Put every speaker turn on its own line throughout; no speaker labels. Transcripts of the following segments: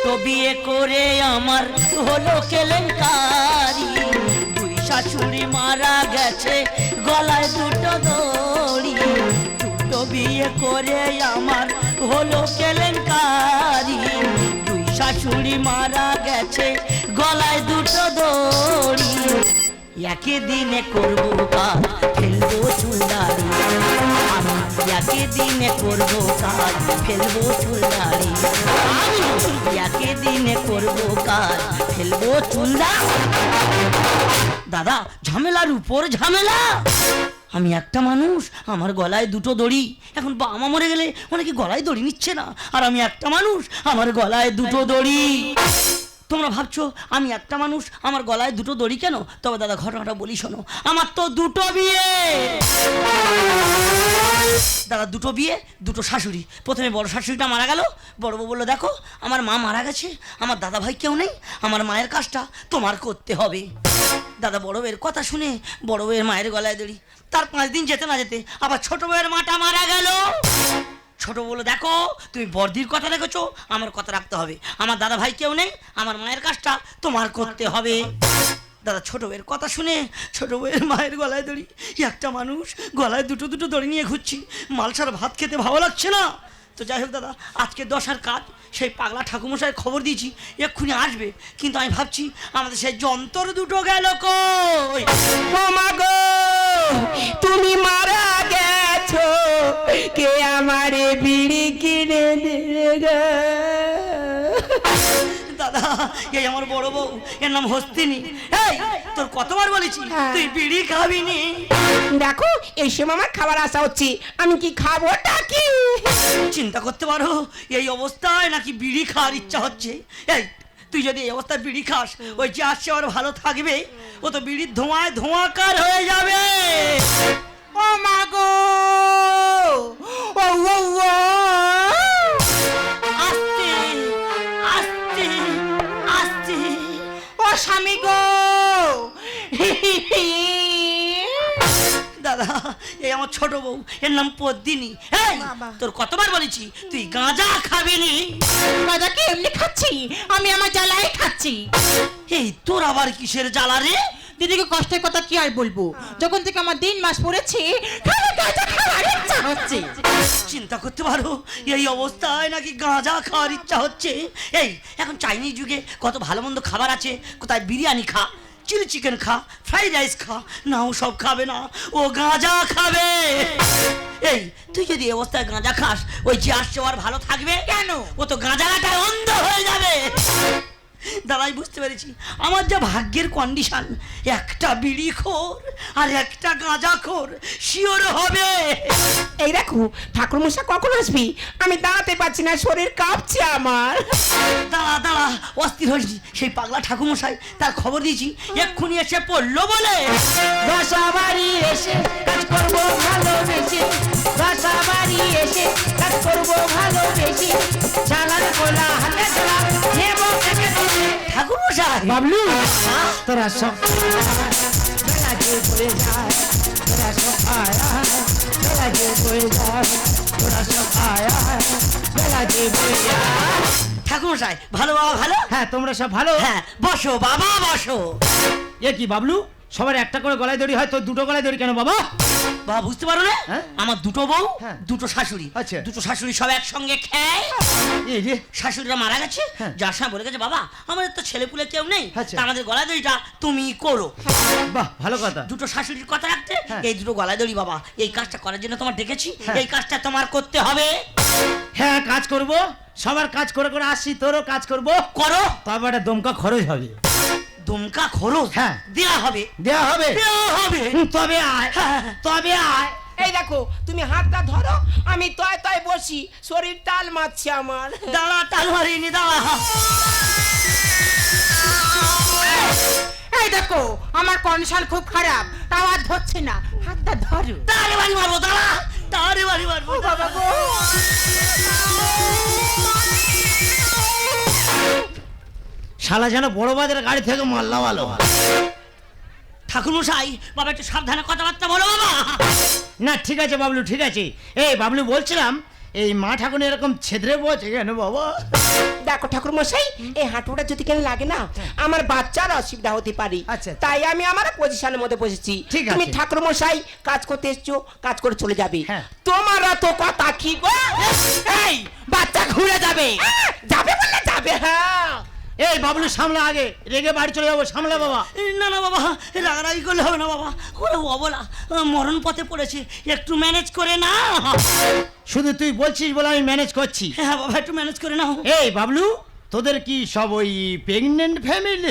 দুটো বিয়ে করে আমার হলো কেলেঙ্কারি, দুই শাশুড়ি মারা গেছে গলায় দুটো দড়ি। দুটো বিয়ে করে আমার হলো কেলেঙ্কারি, দুই শাশুড়ি মারা গেছে গলায় দুটো দড়ি। একই দিনে করবো কাজ ফেলবো চুলদারি, আমি একই দিনে করবো কাজ ফেলবো চুলদারি, আমি একই দিনে করবো কাজ ফেলবো চুলদারি। দাদা ঝামেলার উপর ঝামেলা। আমি একটা মানুষ, আমার গলায় দুটো দড়ি। এখন বাবা মা মরে গেলে অনেকে গলায় দড়ি নিচ্ছে না, আর আমি একটা মানুষ, আমার গলায় দুটো দড়ি। তোমরা ভাবছো আমি একটা মানুষ, আমার গলায় দুটো দড়ি কেন? তবে দাদা ঘটনাটা বলি শোনো। আমার তো দুটো বিয়ে দাদা, দুটো বিয়ে, দুটো শাশুড়ি। প্রথমে বড় শাশুড়িটা মারা গেল, বড় বউ বললো দেখো আমার মা মারা গেছে, আমার দাদা ভাই কেউ নেই, আমার মায়ের কাজটা তোমার করতে হবে। দাদা বড় বউয়ের কথা শুনে বড় বউয়ের মায়ের গলায় দড়ি। তার 5 দিন যেতে না যেতে আবার ছোট বউয়ের মাটা মারা গেল। ছোট বলো দেখো তুমি বর্দির কথা রেখেছো, আমার কথা রাখতে হবে, আমার দাদা ভাই কেউ নেই, আমার মায়ের কাজটা তোমার করতে হবে। দাদা ছোট বউয়ের কথা শুনে ছোট বউয়ের মায়ের গলায় দড়ি। একটা মানুষ গলায় দুটো দুটো দড়ি নিয়ে ঘুরছি, মালসার ভাত খেতে ভালো লাগছে না। তো যাই হোক দাদা, আজকে 10 কাজ, সেই পাগলা ঠাকুমশাই খবর দিয়েছি এক্ষুনি আসবে, কিন্তু আমি ভাবছি আমাদের সেই যন্ত্র দুটো গেল কই।
ও মা গো, তুমি মারা গেছো, কে আমারে বিড়ি কিনে দেবে গো?
দাদা এই আমার বড় বউ, এর নাম হস্তিনী। এই তোর কতবার বলেছি তুই বিড়ি খাবি নি?
দেখো এই সময় আমার খাবার আসা হচ্ছে, আমি কি খাবো কি?
চিন্তা করতে পারো এই অবস্থায় নাকি বিড়ি খাওয়ার ইচ্ছা হচ্ছে। এই তুই যদি এই অবস্থায় বিড়ি খাস, ওই যে আসছে আর ভালো থাকবে, ও তো বিড়ির ধোঁয়ায় ধোঁয়াকার হয়ে যাবে।
ও মা গো, ও ও ও,
আস্তে আস্তে আস্তে,
ও স্বামী গো।
দাদা এই আমার ছোট বউ, এর নাম পদ্মিনী। এই তোর কতবার বলেছি তুই গাঁজা খাবি নি?
গাঁজা কি এমনি খাচ্ছি, আমি আমার জ্বালায় খাচ্ছি।
এই তোর আবার কিসের জ্বালা রে?
দিদিকে কষ্টের কথা কি আর বলবো, যখন থেকে আমার 3 মাস পড়েছে খালি গাঁজা খাওয়ার ইচ্ছা হচ্ছে।
চিন্তা করতে পারো এই অবস্থায় নাকি গাঁজা খাওয়ার ইচ্ছা হচ্ছে। এই এখন চাইনিজ যুগে কত ভালো মন্দ খাবার আছে, কোথায় বিরিয়ানি খা, চিলি চিকেন খা, ফ্রাইড রাইস খা, না ও সব খাবে না, ও গাঁজা খাবে। এই তুই যদি এই অবস্থায় গাঁজা খাস, ওই যে আসছে আর ভালো থাকবে
কেন?
ও তো গাঁজা গাঁটায় অন্ধ হয়ে যাবে। দাদাই বুঝতে পেরেছি আমার যা ভাগ্যের কন্ডিশন, একটা বিড়িখোর আর একটা গাঁজাখোর শিওর হবে।
এই দেখো ঠাকুর মশাই কখন আসবি, আমি দাঁড়াতে পারছি না, শরীর কাঁপছে আমার।
দাঁড়া দাঁড়া, অস্থির হয়েছি। সেই পাগলা ঠাকুমশাই তার খবর দিয়েছি, এক্ষুনি এসে পড়লো বলে।
বাসা বাড়ি এসে কাজ করবো ভালোবেসে, বাসা বাড়ি এসে কাজ করবো ভালোবেসে, চালার কোলা হাতে চলা নেব থেকে দিতে।
ঠাকুমশাই
বাবলু তোরা সব বেলা যে পড়ে যায়, তোরা সব আয়া বেলা যে পড়ে যায়, তোরা সব আয়া বেলা যে পড়ে যায়।
ঠাকুমশাই ভালো বাবা ভালো?
হ্যাঁ তোমরা সব ভালো?
হ্যাঁ বসো বাবা বসো।
এ কি বাবলু, সবার একটা করে গলায় দড়ি হয়, তো দুটো গলায় দড়ি কেন বাবা?
বাবা বুঝতে পারো না,
হ্যাঁ?
আমার দুটো বউ,
হ্যাঁ।
দুটো শাশুড়ি।
আচ্ছা।
দুটো শাশুড়ি সব একসঙ্গে খায়।
এই যে
শাশুড়িরা মারা গেছে,
হ্যাঁ।
যার সময় বলে গেছে বাবা আমাদের তো ছেলেপুলে কেউ নেই,
আচ্ছা।
তা আমাদের গলায় দড়িটা তুমি করো।
বাহ ভালো কথা।
দুটো শাশুড়ির কথা রাখতে
হ্যাঁ।
এই দুটো গলায় দড়ি বাবা, এই কাজটা করার জন্য তোমার ডেকেছি,
হ্যাঁ।
এই কাজটা তোমার করতে হবে।
হ্যাঁ কাজ করব, সবার কাজ করে করে আসছি, তোরও কাজ করব,
করো।
তবে একটা দমকা খরচ হবে।
দুমকা খরচ
হ্যাঁ।
দেয়া হবে,
দেয়া হবে,
দেয়া হবে।
তবে আয়,
হ্যাঁ।
তবে আয়।
এই দেখো তুমি হাতটা ধরো, আমি তয় তয় বসি, শরীর টাল মারছে আমার।
দাঁড়া টাল মারিনি, দাঁড়া।
এই দেখো আমার কন্ডিশন খুব খারাপ, তাও আর ধরছে না, হাতটা ধরো।
তারে বাড়ি মারবো, দাঁড়া তারে বাড়ি মারবো।
বাবা গো,
শালা যেন বড় বাজারের গাড়ি থেকে মাল্লা ভালো।
ঠাকুরমশাই বাবা একটু সাবধানে কথাবার্তা বলো বাবা।
না ঠিক আছে বাবলু, ঠিক আছে। এই বাবলু বলছিলাম এই মা ঠাকুর এরকম ছেদরে বসে কেন বাবা?
দেখো ঠাকুর মশাই, এই হাঁটুটা যদি কেন লাগে না আমার বাচ্চার অসুবিধা হতে পারে।
আচ্ছা।
তাই আমি আমার পজিশনের মধ্যে বসেছি।
ঠিক
তুমি
আছে।
ঠাকুর মশাই কাজ করতে এসছো, কাজ করে চলে যাবে।
হ্যাঁ।
তোমার তো কথা কি গো? এই বাচ্চা ঘুরে যাবে। যাবে বললে যাবে। হ্যাঁ
এই বাবলু সামলা, আগে রেগে বাড়ি চলে যাবো, সামলা বাবা।
না না বাবা, রাগারাগি করলে হবে না বাবা, ওরা অবলা মরণ পথে পড়েছে, একটু ম্যানেজ করে না।
শুধু তুই বলছিস বলে আমি ম্যানেজ করছি।
হ্যাঁ বাবা, একটু ম্যানেজ করে নাও।
এই বাবলু, তোদের কি সব ওই প্রেগনেন্ট ফ্যামিলি?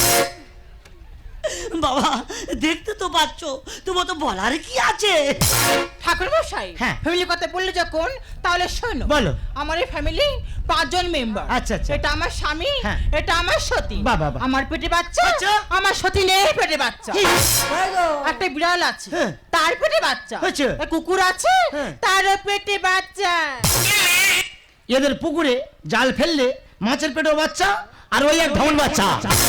বাবা দেখতে তো পাচ্ছ, তোমার তো বলার কি আছে?
ঠাকুর মশাই,
হ্যাঁ।
ফ্যামিলি কথা বললে যখন, তাহলে শোনো।
বলো।
আমার এই ফ্যামিলি 5 জন মেম্বার।
আচ্ছা, আচ্ছা।
এটা আমার স্বামী,
হ্যাঁ।
এটা আমার সতী।
বাহ, বাহ, বাহ।
আমার পেটে বাচ্চা,
আচ্ছা।
আমার সতী নেই পেটে বাচ্চা।
কি?
একটা বিড়াল আছে,
হ্যাঁ।
তার পেটে বাচ্চা।
আচ্ছা।
একটা কুকুর আছে,
হ্যাঁ।
তারও পেটে বাচ্চা।
এদের পুকুরে জাল ফেললে মাছের পেটেও বাচ্চা, আর ওই এক ঢমন বাচ্চা।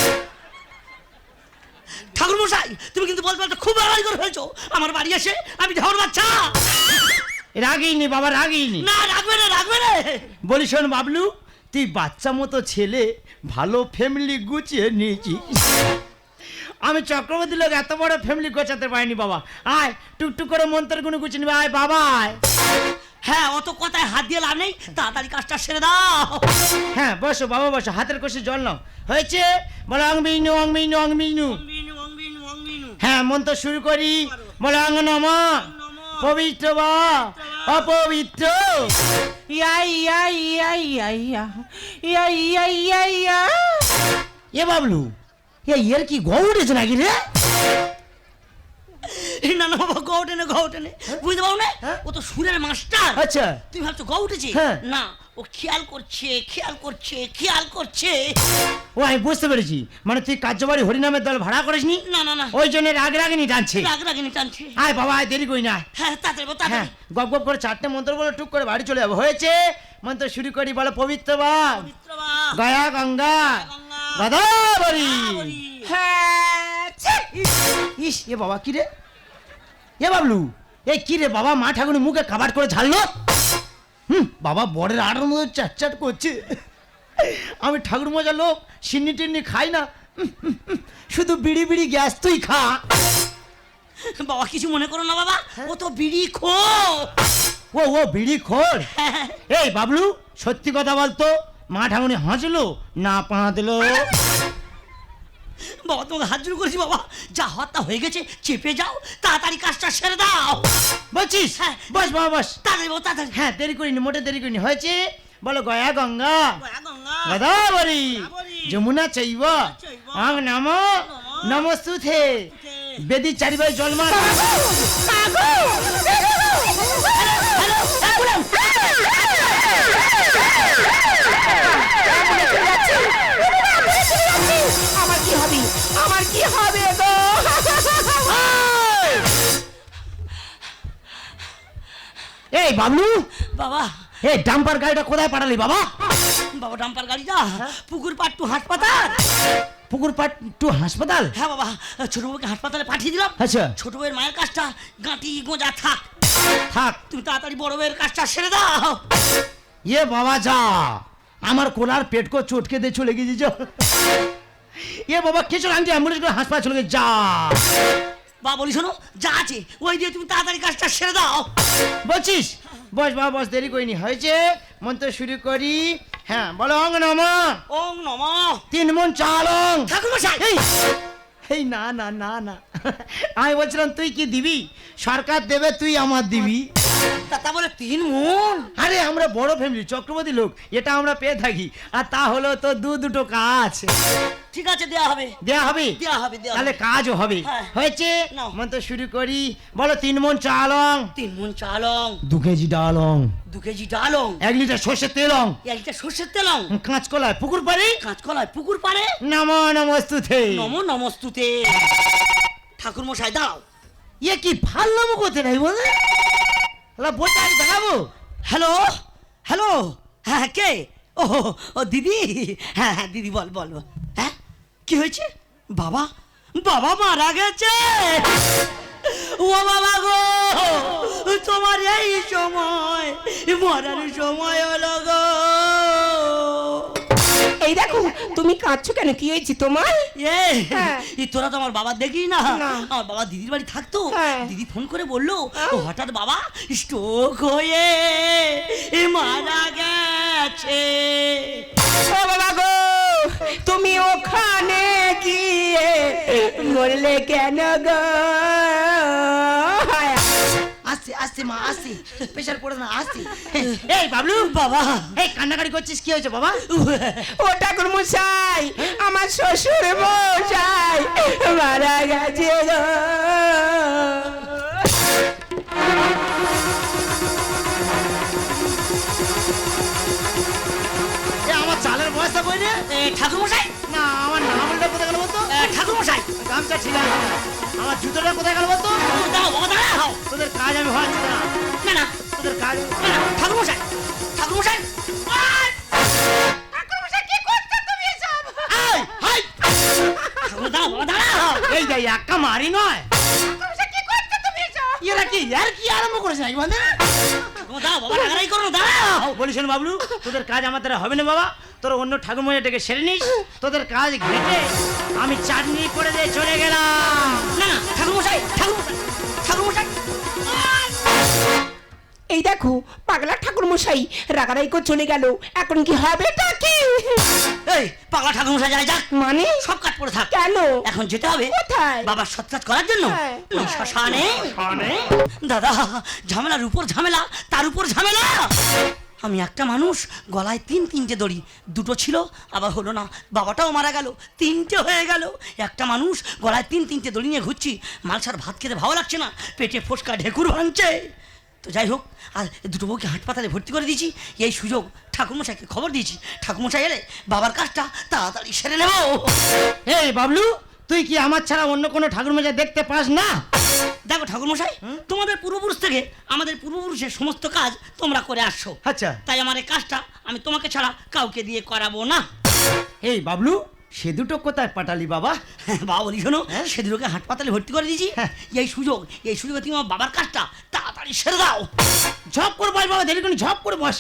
ঠাকুর মশাই, তুমি কিন্তু বলতে বলতে খুব রাগারাগি করে ফেলছো। আমার বাড়ি এসে আমি ঢাউর বাচ্চা।
রাগিনি বাবা, রাগিনি।
না, রাখবে না, রাখবে না।
বলি শোন বাবলু, তুই বাচ্চা মতো ছেলে, ভালো ফ্যামিলি গুছিয়ে নিয়েছিস। আমি চক্রবর্তী লোক এত বড় ফ্যামিলি গোছাতে পারিনি বাবা। আয় টুকটুক করে মন্ত্র গুলো গুছিয়ে নিবে। আয় বাবা আয়।
হ্যাঁ, অত কথায় হাত দিয়ে লাভ নেই, তাড়াতাড়ি কাজটা সেরে দাও।
হ্যাঁ বসো বাবা, বসো, হাতের কষে জল নাও। হয়েছে? বলো অং বিনু, অং বিনু, অং বিনু। হ্যাঁ, মন্ত্র শুরু করি। বলো অং নম পবিত্র বা অপবিত্র।
ইয়া ইয়া ইয়া ইয়া ইয়া ইয়া ইয়া ইয়া ইয়া।
এ বাবলু, এর কি গৌ উঠেছে নাকি রে?
না না বাবা, গো ওঠে না, গো ওঠে না। বুঝতে পারো না, ও তো সুরের মাস্টার।
আচ্ছা।
তুমি ভাবছো গো উঠেছে?
হ্যাঁ।
না, ও খেয়াল করছে, খেয়াল করছে, খেয়াল করছে।
ও আমি বুঝতে পেরেছি, মানে তুই কার্যবাড়ি হরিনামের দল ভাড়া করিসনি,
না না না,
ওই জন্য রাগ রাগিনি টানছে।
রাগারাগি টানছে।
আয় বাবা আয়, দেরি করি না।
হ্যাঁ, তাড়াতাড়ি বলো,
হ্যাঁ,
তাড়াতাড়ি।
গপ গপ করে 4টে মন্ত্র বলে টুক করে বাড়ি চলে যাবো। হয়েছে? মন্ত্র শুরু করি। বলো পবিত্র বা
পবিত্র বা
গয়া গঙ্গা
গঙ্গা
গদাবরী।
বলি।
হ্যাঁ ছি।
ইস, এ বাবা কি রে? এ বাবলু, এ কি রে বাবা, মা ঠাকুরের মুখে কাবাট করে ঝাড়লো। বাবা বড়ের আড়ার মধ্যে চ্যাট করছে। আমি ঠাকুর মজা লোক, সিন্নি টিন্নি খাই না। শুধু বিড়ি বিড়ি গ্যাস তুই খা।
বাবা কিছু মনে করো না বাবা, ও তো বিড়ি খো।
ও বিড়ি খোর। এই বাবলু, সত্যি কথা বলতো, মা ঠাকুরি হাসলো না পা দিল?
বাবা তোমাকে হাত জোর করেছি বাবা, যা হত্যা হয়ে গেছে চেপে যাও, তাড়াতাড়ি কাজটা সেরে দাও।
বলছিস?
হ্যাঁ।
বস বাবা বস।
তাড়াতাড়ি বাবা, তাড়াতাড়ি।
হ্যাঁ, দেরি করিনি, মোটে দেরি করিনি। হয়েছে? বলো গয়া গঙ্গা
গয়া গঙ্গা
গদাবরী
গদাবরী
যমুনা চৈব
চৈব
আং নম নমস্তুতে। বেদি চারিবার জল মার।
আমার কি হবে? আমার কি হবে গো?
এই বাবলু,
বাবা,
এই ডাম্পার গাড়িটা কোথায় পাঠালি বাবা?
বাবা ডাম্পার গাড়িটা পুকুর পাট টু হাসপাতাল।
পুকুর পাট টু হাসপাতাল?
হ্যাঁ বাবা, ছোট বউকে হাসপাতালে পাঠিয়ে দিলাম।
আচ্ছা।
ছোট বউয়ের মায়ের কাজটা গাঁটি গোঁজা থাক,
থাক।
তুমি তাড়াতাড়ি বড় বউয়ের কাজটা সেরে দাও।
এ বাবা যা, আমার কোলার পেট কো চটকে দিয়ে চলে গেছি যা। এ বাবা কিছু আনছি, অ্যাম্বুলেন্স করে হাসপাতাল চলে গেছে যা।
বাবা বলি শোনো, যা আছে ওই দিয়ে তুমি তাড়াতাড়ি কাজটা সেরে দাও।
বলছিস? বস বাবা বস, দেরি করিনি। হয়েছে? মন্ত্র শুরু করি। হ্যাঁ বলো অং নম
ওং নম
3 মন চালং।
ঠাকুর মশাই।
এই না না না না, আমি বলছিলাম তুই কি দিবি? সরকার দেবে, তুই আমার দিবি।
তা বলে 3 মন?
আরে আমরা বড় ফ্যামিলি, চক্রবর্তী লোক, এটা আমরা পেয়ে থাকি। আর তা হলো তো দুটো কাজ।
ঠিক আছে, দেয়া হবে,
দেয়া হবে?
দেয়া হবে, দেয়া
তাহলে
হবে।
কাজও হবে।
হ্যাঁ।
হয়েছে?
নাও।
মন্ত্র শুরু করি। বলো 3 মন চালং
3 মন চালং
2 কেজি ডালং
2 কেজি ডালং
1 লিটার সর্ষের তেলং
1 লিটার সর্ষের তেলং
কাঁচকলায় পুকুর পাড়ি
কাঁচকলায় পুকুর পাড়ে
নম নমস্তুতে।
নম নমস্তুতে। ঠাকুর মশাই দাও।
ইয়ে কি ভাল নাম করতে নাই বলে? বলতে আমি দেখাবো।
হ্যালো হ্যালো, হ্যাঁ কে? ও দিদি, হ্যাঁ হ্যাঁ দিদি, বল বল বল। হ্যাঁ কি হয়েছে? বাবা, বাবা মারা গেছে। ও বাবা গো, তোমার এই সময় মরার সময় হলো গো।
এই দেখো তুমি কাঁদছো কেন, কি হয়েছে তোমার? হ্যাঁ।
তোরা তো আমার বাবা দেখি না,
না।
আমার বাবা দিদির বাড়ি থাকতো।
হ্যাঁ।
দিদি ফোন করে বললো ও হঠাৎ বাবা স্ট্রোক হয়ে মারা গেছে।
ও বাবা গো, তুমি ওখানে গিয়ে মরলে কেন গো?
আসছে আসছে মা আসছে, প্রেশার পড়ে না আসছে। এই বাবলু
বাবা
এই কান্নাকাটি করছিস, কি হয়েছে বাবা?
ও ঠাকুর মশাই, আমার শ্বশুর মশাই মারা গেছে গো।
এ আমার চালের বয়সটা কই রে?
ঠাকুর মশাই,
না আমার নাম বললে কোথায় গেল বলতো?
ঠাকুর মশাই
গামছা ছিল না। আমার জুতোটা কোথায় গেল বলতো?
দাঁড়াও বাবা দাঁড়াও।
তোদের কাজ আমি হওয়াচ্ছি না,
না না
তোদের কাজ
না, না, ঠাকুর মশাই ঠাকুর মশাই
এই, হাই!
দাঁড়াও বাবা দাঁড়াও।
এই যে একা মারি নয়, এরা কি আর কি আরম্ভ করেছে নাকি বন্ধু?
দাঁড়াও বাবা রাগারাগি করো না, দাঁড়াও।
বলিস না বাবলু, তোদের কাজ আমার দ্বারা হবে না বাবা। তোর অন্য ঠাকুর মজা ডেকে সেরে নিস, তোদের কাজ ঘেটে আমি চাটনি করে দিয়ে চলে গেলাম।
না না ঠাকুর মশাই ঠাকুর মশাই ঠাকুর মশাই
এই দেখো পাগলা ঠাকুর মশাই রাগারাই করে চলে গেল, এখন কি হবে তা কি?
এই পাগলা ঠাকুর মশাই যায় যাক,
মানে
সব কাজ পড়ে থাক।
কেন?
এখন যেতে হবে
কোথায়?
বাবার সৎকাজ করার জন্য।
হ্যাঁ।
ওই শ্মশানে। দাদা ঝামেলার উপর ঝামেলা, তার উপর ঝামেলা। আমি একটা মানুষ, গলায় তিনটে দড়ি, দুটো ছিল আবার হলো না, বাবাটাও মারা গেল, তিনটে হয়ে গেল। একটা মানুষ গলায় তিনটে দড়ি নিয়ে ঘুরছি, মালসার ভাত খেতে ভালো লাগছে না, পেটে ফোসকা ঢেকুর ভাঙছে। তো যাই হোক, আর দুটো বউকে হাসপাতালে ভর্তি করে দিয়েছি। এই সুযোগ ঠাকুরমশাইকে খবর দিয়েছি, ঠাকুরমশাই এলে বাবার কাজটা তাড়াতাড়ি সেরে নেব।
এই বাবলু, তুই কি আমার ছাড়া অন্য কোনো ঠাকুর মজা দেখতে পাস না?
দেখো ঠাকুরমশাই, তোমাদের পূর্বপুরুষ থেকে আমাদের পূর্বপুরুষের সমস্ত কাজ তোমরা করে আসছো,
আচ্ছা
তাই আমার এই কাজটা আমি তোমাকে ছাড়া কাউকে দিয়ে করাবো না।
এই বাবলু, সে দুটো কোথায় পাঠালি বাবা?
বাবা বলি শোনো,
হ্যাঁ?
সে দুটোকে হাসপাতালে ভর্তি করে দিয়েছি।
হ্যাঁ।
এই সুযোগে তুমি আমার বাবার কাজটা তাড়াতাড়ি সেরে দাও।
ঝপ করে বস বাবা, দেরি করে ঝপ করে বস।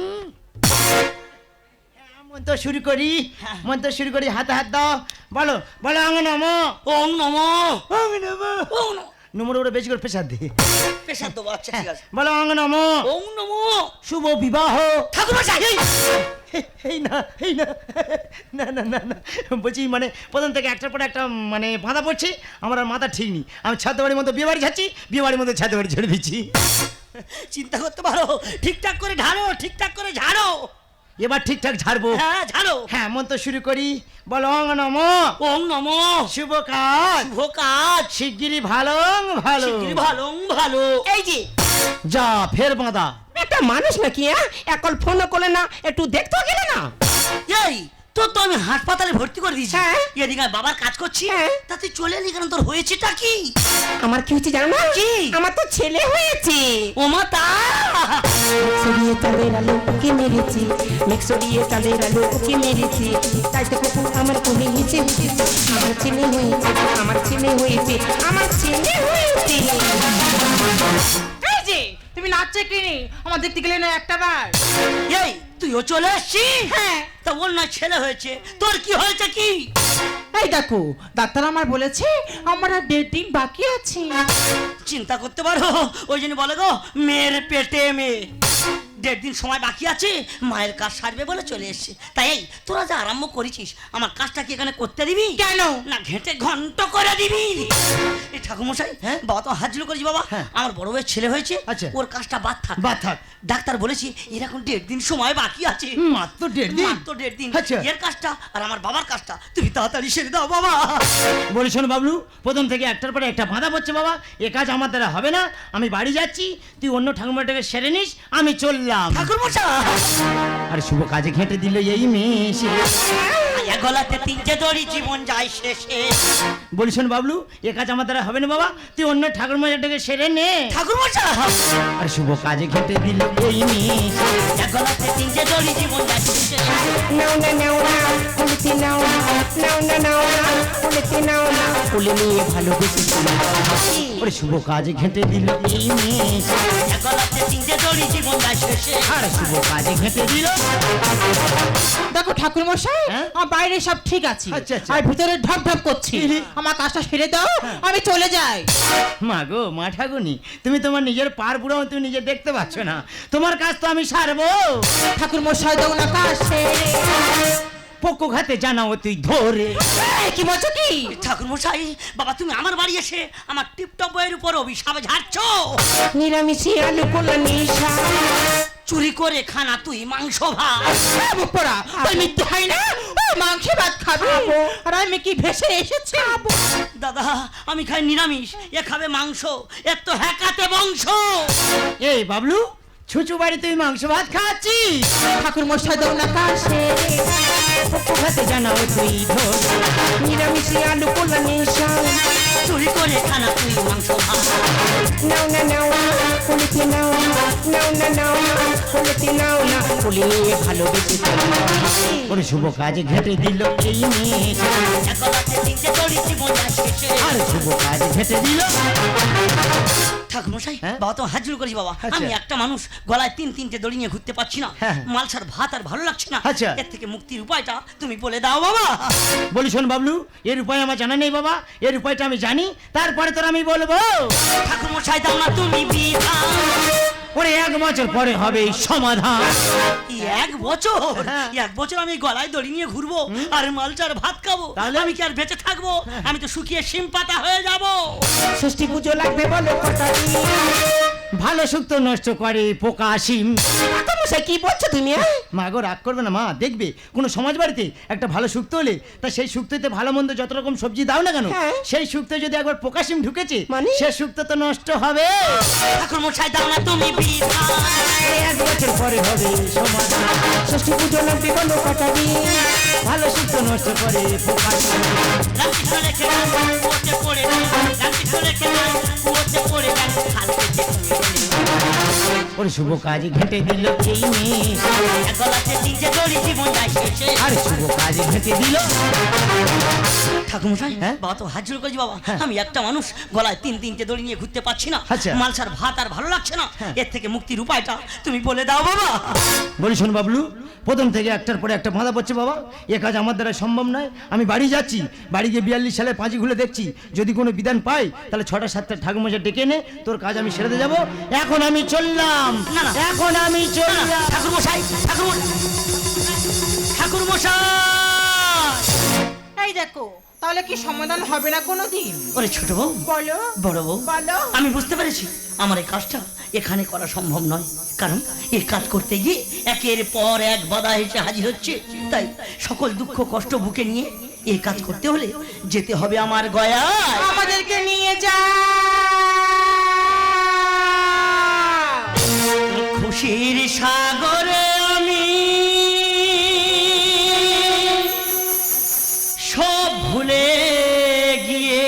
মন্ত্র শুরু করি, মন্ত্র শুরু করি, হাতে হাত দাও, বলো বলো অঙ্গ নমো,
ওং নমো
অঙ্গ নমো,
ওং নমো।
নমোর উপরে বেশি করে প্রেসার দে।
পেশার দেবো, আচ্ছা ঠিক আছে।
বলো অঙ্গ নমো,
ওং নমো।
শুভ বিবাহ।
ঠাকুরমশাই
এই না এই না না না না না বলছি, মানে প্রথম থেকে একটার পর একটা মানে বাঁধা পড়ছে, আমার আর মাথা ঠিক নেই। আমি ছাদ বাড়ির মধ্যে বিয়ে বাড়ি যাচ্ছি, বিয়ে বাড়ির মধ্যে ছাদ বাড়ি ছেড়ে দিচ্ছি।
চিন্তা করতে পারো, ঠিকঠাক করে ঝাড়ো, ঠিকঠাক করে ঝাড়ো।
এবার ঠিকঠাক ঝাড়বো।
হ্যাঁ ঝাড়ো।
হ্যাঁ মন্ত্র শুরু করি, বলো অঙ্গ নমো,
ওং নমো।
শুভ কাজ,
শুভ কাজ,
শিগগিরই ভালো ভালো।
শিগগিরই ভালো ভালো।
এই যে
যা ফের বাঁধা।
একটা মানুষ নাকি, হ্যাঁ এখন ফোনও করলে না, একটু দেখতে গেলে না।
এই তো আমি হাসপাতালে ভর্তি করে দিয়েছি,
হ্যাঁ।
এদিকে আমি বাবার কাজ করছি,
হ্যাঁ।
তা তুই চলে এলি কেন? তোর হয়েছেটা কি?
আমার কি হচ্ছে জানো না?
কি?
আমার তো ছেলে হয়েছে।
ওমা তা
সরিয়ে চালের আলো ওকে মেরেছি, মেঘ সরিয়ে চালের আলো ওকে মেরেছি, তাই তো কুকুর আমার কোলে নিচে উঠেছে। আমার ছেলে হয়েছে, আমার ছেলে হয়েছে, আমার ছেলে হয়েছে।
এই যে তুমি নাচছে কি নি, আমার দেখতে গেলে না একটা বার।
এই তুইও চলে আসছিস?
হ্যাঁ।
তা ওর না ছেলে হয়েছে, তোর কি হয়েছে কি?
এই দেখো ডাক্তার আমার বলেছে আমার আর 1.5 দিন বাকি আছে।
চিন্তা করতে পারো, ওই জন্য বলে গো মেয়ের পেটে মেয়ে। 1.5 দিন সময় বাকি আছে, মায়ের কাজ সারবে বলে চলে এসছে। তাই এই তোরা যা আরম্ভ করেছিস, আমার কাজটা কি এখানে করতে দিবি?
কেন?
না ঘেঁটে ঘন্ট করে দিবি? এই ঠাকুরমশাই,
হ্যাঁ?
বাবা তো হাত জুড়ে করেছি বাবা,
হ্যাঁ।
আমার বড় ভাইয়ের ছেলে হয়েছে,
আচ্ছা।
ওর কাজটা বাদ থাক।
বাদ থাক।
ডাক্তার বলেছে এরকম 1.5 দিন সময় বাকি আছে।
মাত্র 1.5 দিন?
মাত্র 1.5 দিন।
আচ্ছা।
এর কাজটা আর আমার বাবার কাজটা তুমি তাড়াতাড়ি সেরে দাও বাবা।
বলি শোনো বাবলু, প্রথম থেকে একটার পরে একটা বাঁধা পড়ছে বাবা, এ কাজ আমার দ্বারা হবে না। আমি বাড়ি যাচ্ছি, তুই অন্য ঠাকুরমাটাকে সেরে নিস, আমি চললাম।
ঠাকুরমশাই
আর শুভ কাজে ঘেঁটে দিল এই মেয়ে।
এক গলাতে 3টে দড়ি, জীবন যায় শেষে।
বলি শোন বাবলু, এ কাজ আমার দ্বারা হবে না বাবা, তুই অন্য ঠাকুরমাটাকে সেরে নে।
ঠাকুরমশাই
আর শুভ কাজে ঘেঁটে দিল এই মেয়ে।
এক গলাতে 3টে দড়ি, জীবন যায় শেষে।
নাও না নাও না, উলতি নাও না, নাও না নাও না, উলতি নাও না, কোলে নিয়ে ভালোবেসে চলে যাও।
ওরে শুভ কাজে ঘেঁটে দিল এই মেয়ে,
এক গলাতে তিনটে দড়ি জীবন যায় শেষে।
আর শুভ কাজে ঘেঁটে দিল।
দেখো ঠাকুর মশাই,
হ্যাঁ?
আমার বাইরে সব ঠিক আছে,
আচ্ছা, আচ্ছা।
আর ভিতরে ঢপ ঢপ করছি। আমার কাজটা সেরে দাও, আমি চলে যাই।
মা গো মা ঠাকুনি, তুমি তোমার নিজের পার বুড়ো তুমি নিজে দেখতে পাচ্ছ না, তোমার কাজ তো আমি সারবো।
ঠাকুর মশাই দাও না কাজ সেরে।
পোকো খাতে জানাও তুই ধরে।
এই, কি বলছো কি?
ঠাকুর মশাই, বাবা তুমি আমার বাড়ি এসে আমার টিপটপ বইয়ের উপর অভিশাপ ঝাড়ছো।
নিরামিষে আলু কোলা নিশা।
চুরি করে খানা তুই মাংস ভাত।
পড়া ওই মিথ্যে হয় না, ও মাংস ভাত খাবে, আর আমি কি ভেসে এসেছি?
দাদা আমি খাই নিরামিষ, এ খাবে মাংস, এর তো হ্যাকাতে বংশ।
এই বাবলু, ছুচু বাড়ি তুই মাংস ভাত খাচ্ছিস?
ঠাকুর মশাই দাও না কাজ সেরে।
পোকো খাতে জানাও তুই ধরে।
নিরামিষে আলু কোলা নিশা।
চুরি করে খানা তুই মাংস ভাত।
নাও না নাও না কোলেতে নাও না, নাও না নাও না কোলেতে নাও না, কোলে নিয়ে ভালোবেসে চলে যাও।
ওরে শুভ কাজে ঘেঁটে দিল এই মেয়ে,
এক গলাতে তিনটে দড়ি জীবন যায় শেষে।
আর শুভ কাজে ঘেঁটে দিল।
ঠাকুর মশাই,
হ্যাঁ?
বাবা তো হাজির করেছি বাবা।
আচ্ছা।
আমি একটা মানুষ গলায় তিনটে দড়ি নিয়ে ঘুরতে পারছি না,
হ্যাঁ।
মালসার ভাত আর ভালো লাগছে না।
আচ্ছা।
এর থেকে মুক্তির উপায়টা তুমি বলে দাও বাবা।
বলি শোন বাবলু, এর উপায় আমার জানা নেই বাবা, এর উপায়টা আমি জানি, তারপরে তোর আমি বলবো।
ঠাকুর মশাই দাও না তুমি বিধান।
ওরে 1 বছর পরে হবে এই সমাধান।
এই 1 বছর,
হ্যাঁ।
1 বছর আমি গলায় দড়ি নিয়ে ঘুরবো আর মালচার ভাত খাবো,
তাহলে?
আমি কি আর বেঁচে থাকবো? আমি তো শুকিয়ে শিম পাতা হয়ে যাবো।
ষষ্ঠী পুজো লাগবে বলো কটা দিন?
ভালো শুক্তো নষ্ট করে পোকা সিম।
ঠাকুর মশাই কি বলছো তুমি?
মা গো রাগ করবে না মা, দেখবে কোনো সমাজ বাড়িতে একটা ভালো শুক্তো হলে তা সেই শুক্তোতে ভালো মন্দ যত রকম সবজি দাও না কেন,
হ্যাঁ।
সেই শুক্তো যদি একবার পোকা সিম ঢুকেছে
মানে?
সে শুক্তো তো নষ্ট হবে।
ঠাকুর মশাই দাও না তুমি বিধান।
1 বছর পরে হবে সমাধান।
ষষ্ঠী পুজো লাগবে বলো কটা দিন?
ভালো শুক্তো নষ্ট করে পোকা সিম।
রামকৃষ্ণ রেখে দেন, কুয়োতে পড়ে দেন। রামকৃষ্ণ রেখে দেন, কুয়োতে পড়ে দেন। হালকে দেখে
ওরে শুভ কাজে ঘেঁটে দিল এই মেয়ে,
এক গলাতে তিনটে দড়ি জীবন যায় শেষে।
আরে শুভ কাজে ঘেঁটে দিল।
ঠাকুর মশাই,
হ্যাঁ?
বাবা তো হাজির করেছি বাবা।
হ্যাঁ।
আমি একটা মানুষ গলায় তিনটে দড়ি নিয়ে ঘুরতে পারছি না,
আচ্ছা।
মালসার ভাত আর ভালো লাগছে না।
হ্যাঁ।
এর থেকে মুক্তির উপায়টা তুমি বলে দাও বাবা।
বলি শোন বাবলু, প্রথম থেকে একটার পরে একটা বাঁধা পড়ছে বাবা, এ কাজ আমার দ্বারা সম্ভব নয়। আমি বাড়ি যাচ্ছি, বাড়ি গিয়ে 42 সালে পাঁচি খুলে দেখছি, যদি কোনো বিধান পাই তাহলে 6টা 7টা ঠাকুরমশাই ডেকে এনে তোর কাজ আমি সেরে যাবো। এখন আমি চললাম,
না, না।
এখন আমি চললাম।
ঠাকুর মশাই, ঠাকুর মশাই।
এই দেখো, তাহলে কি সমাধান হবে না কোনোদিন?
ওরে ছোট বউ,
বলো
বড় বউ,
বলো।
আমি বুঝতে পেরেছি আমার এই কাজটা এখানে করা সম্ভব নয়, কারণ এই কাজ করতে গিয়ে একের পর এক বাধা এসে হাজির হচ্ছে। তাই সকল দুঃখ কষ্ট বুকে নিয়ে এই কাজ করতে হলে যেতে হবে আমার গয়ায়।
আমাদেরকে নিয়ে যা।
খুশির সাগরে আমি সব ভুলে গিয়ে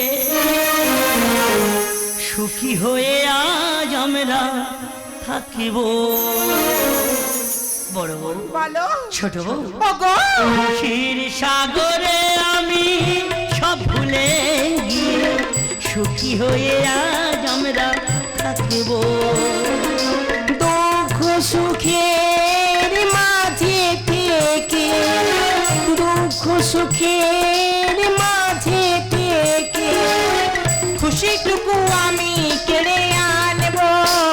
সুখী হয়ে আজ আমরা থাকিব। বড় বউ,
বলো।
ছোট বউ,
ওগো,
খুশির সাগরে আমি সব ভুলে গিয়ে সুখী হয়ে আজ আমরা থাকিব।
দুঃখ সুখের মাঝে থেকে, দুঃখ সুখের মাঝে থেকে
খুশিটুকু আমি কেড়ে আনবো।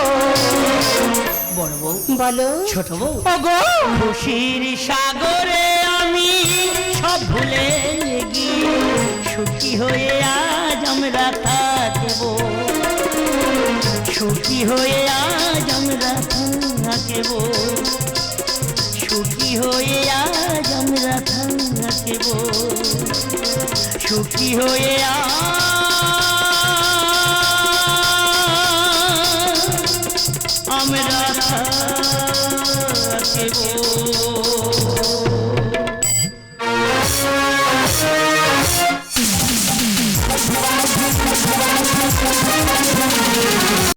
বড় বউ,
বলো।
ছোট বউ,
ওগো,
খুশির সাগরে আমি সব ভুলে গিয়ে সুখী হয়ে আজ আমরা থাকব। সুখী হয়ে আজ আমরা থাকব। সুখী হয়ে আজ আমরা থাকব। সুখী হয়ে আজ